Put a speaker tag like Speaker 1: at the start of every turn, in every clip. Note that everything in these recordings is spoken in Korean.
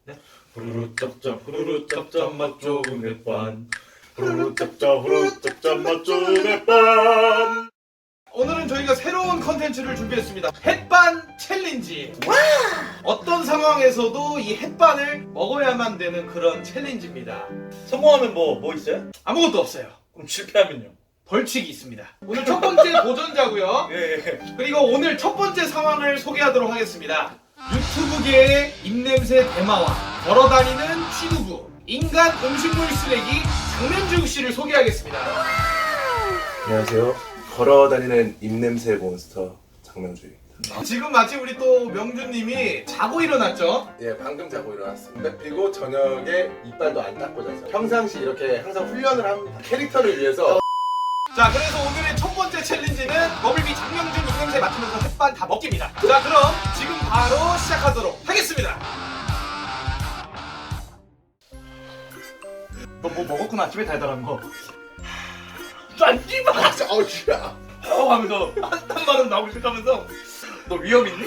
Speaker 1: 후루루 짭짭 후루루 짭짭 맛 좋은 햇반. 후루루 짭짭 후루루 짭짭 맛 좋은 햇반.
Speaker 2: 오늘은 저희가 새로운 컨텐츠를 준비했습니다. 햇반 챌린지. 어떤 상황에서도 이 햇반을 먹어야만 되는 그런 챌린지입니다.
Speaker 1: 성공하면 뭐 있어요?
Speaker 2: 아무것도 없어요.
Speaker 1: 그럼 실패하면요?
Speaker 2: 벌칙이 있습니다. 오늘 첫 번째 도전자고요.
Speaker 1: 예.
Speaker 2: 그리고 오늘 첫 번째 상황을 소개하도록 하겠습니다. 유튜브계의 입냄새 대마왕, 걸어다니는 취두부, 인간 음식물 쓰레기 장면주 씨를 소개하겠습니다.
Speaker 3: 안녕하세요. 걸어다니는 입냄새 몬스터 장명주입니다.
Speaker 2: 지금 마침 우리 또 명주님이 자고 일어났죠?
Speaker 3: 예, 방금 자고 일어났습니다. 그리고 저녁에 이빨도 안 닦고 자서 평상시 이렇게 항상 훈련을 합니다. 캐릭터를 위해서.
Speaker 2: 자, 그래서 오늘의 첫 번째 챌린지는 버블비 장명준 입냄새 맡으면서 햇반 다 먹기입니다. 자, 그럼 지금 바로 시작하도록 하겠습니다. 너 뭐 먹었구나, 아침에 달달한 거. 짠기만
Speaker 3: 어우, 야.
Speaker 2: 하면서 한단 말은 나오고 시작하면서 너 위험 있니?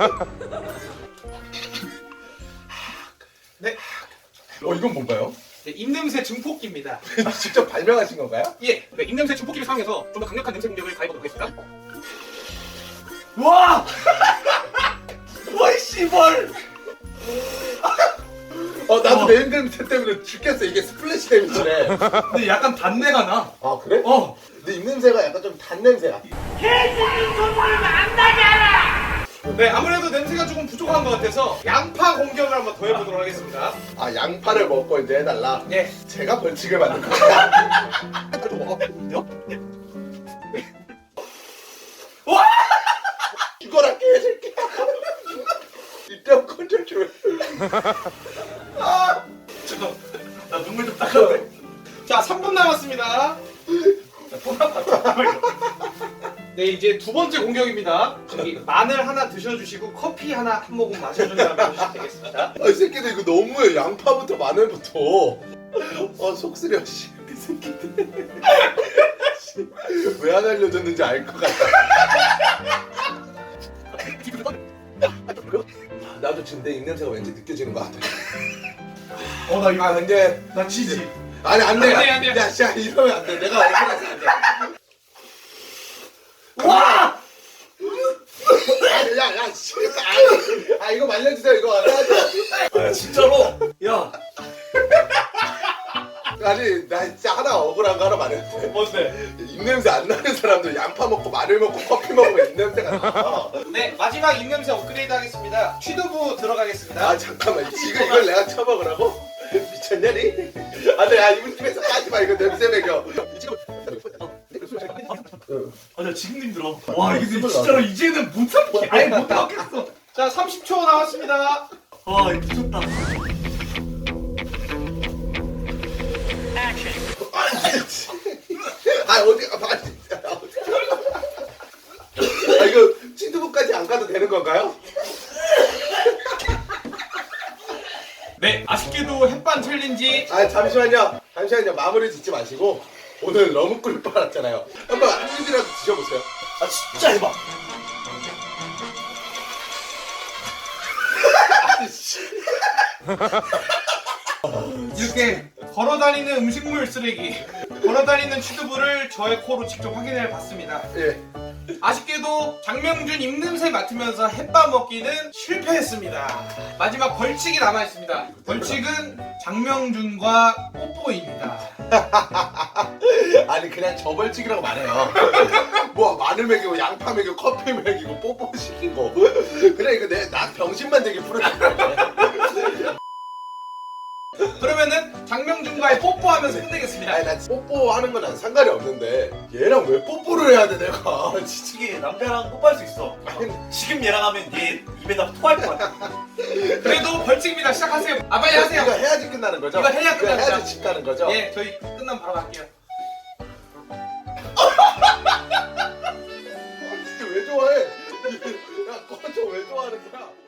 Speaker 2: 네,
Speaker 3: 이건 뭔가요?
Speaker 2: 네, 입냄새 증폭기입니다.
Speaker 3: 직접 발명하신 건가요?
Speaker 2: 예, 네, 입냄새 증폭기를 사용해서 좀 더 강력한 냄새 공격을 가해보도록 하겠습니다. 와! 와이 씨발!
Speaker 3: 나도 내 입냄새 때문에 죽겠어. 이게 스플래시 데미지네.
Speaker 2: 근데 약간 단내가 나.
Speaker 3: 아, 그래?
Speaker 2: 어.
Speaker 3: 내 입냄새가 약간 좀 단 냄새야.
Speaker 2: 네, 아무래도 냄새가 조금 부족한 것 같아서 양파 공격을 한번 더 해보도록 하겠습니다.
Speaker 3: 아, 양파를 먹고 이제 해달라.
Speaker 2: 예.
Speaker 3: 제가 벌칙을 만든 거야.
Speaker 2: 와!
Speaker 3: 이거랑 깨질게. 이때 컨트롤 좀.
Speaker 2: 잠깐, 나 눈물 좀 닦아도 자, 3분 남았습니다. 네, 이제 두 번째 공격입니다. 저기 마늘 하나 드셔주시고 커피 하나 한 모금 마셔준 다음에 드시면 되겠습니다.
Speaker 3: 이 새끼들 이거 너무해. 양파부터 마늘부터. 속쓰려. 씨, 이 새끼들. 왜 안 알려줬는지 알 것 같다. 나도 지금 내 입냄새가 왠지 느껴지는 것 같아.
Speaker 2: 나 이거
Speaker 3: 아, 근데
Speaker 2: 나 지지.
Speaker 3: 아니 안 돼.
Speaker 2: 안 돼.
Speaker 3: 야, 씨, 이러면 안 돼. 내가 억울해서 안 돼.
Speaker 2: 와!
Speaker 3: 야, 씨. 이거 말려주세요. 이거 안 해야죠.
Speaker 1: 진짜로? 야.
Speaker 3: 아니, 나 진짜 하나 억울한 거 하나 말해도 돼.
Speaker 1: 뭔데?
Speaker 3: 입냄새 안 나는 사람들 양파 먹고 마늘 먹고 커피 먹으면 입냄새가 나.
Speaker 2: 네, 마지막 입냄새 업그레이드 하겠습니다. 취두부 들어가겠습니다.
Speaker 3: 아, 잠깐만. 지금 이걸 내가 쳐먹으라고? 미쳤냐니? 아, 근데 야, 입냄새 까지 마. 이거 냄새 먹여.
Speaker 1: 나 지금 힘들어. 와, 이게 진짜로 이제는 못 참게.
Speaker 2: 아예 못 나오겠어. 자, 30초 남았습니다.
Speaker 1: 와, 이거 미쳤다.
Speaker 3: 이거 친두부까지 안 가도 되는 건가요?
Speaker 2: 네, 아쉽게도 햇반 챌린지.
Speaker 3: 잠시만요. 마무리 짓지 마시고 오늘 너무 꿀 빨았잖아요. 한번 한 입이라도 드셔보세요.
Speaker 1: 아, 진짜 해봐.
Speaker 2: 이렇게 걸어다니는 음식물 쓰레기, 걸어다니는 취두부를 저의 코로 직접 확인해 봤습니다.
Speaker 3: 예.
Speaker 2: 아쉽게도 장명준 입냄새 맡으면서 햇밥 먹기는 실패했습니다. 마지막 벌칙이 남아있습니다. 벌칙은 장명준과 뽀뽀입니다.
Speaker 3: 아니 그냥 저벌칙이라고 말해요. 뭐 마늘 먹이고 양파 먹이고 커피 먹이고 뽀뽀 시키고 그래 이거 나 병신만 되게 부르는.
Speaker 2: 그러면은 장명준과의 뽀뽀하면서 끝내겠습니다.
Speaker 3: 아니 나 뽀뽀하는 건 난 상관이 없는데 얘랑 왜 뽀뽀를 해야 돼 내가. 진짜.
Speaker 1: 이게 남자랑 뽀뽀할 수 있어. 지금 얘랑 하면 얘 입에다 토할 것 같아.
Speaker 2: 그래도 벌칙입니다. 시작하세요. 아, 빨리 하세요.
Speaker 3: 이거 해야지 끝나는 거죠?
Speaker 2: 이거 해야
Speaker 3: 이거
Speaker 2: 끝납니다.
Speaker 3: 해야지 집 가는 거죠?
Speaker 2: 예, 저희 끝나면 바로 갈게요.
Speaker 3: 진짜 왜 좋아해? 야 꺼져 왜 좋아하는 거야?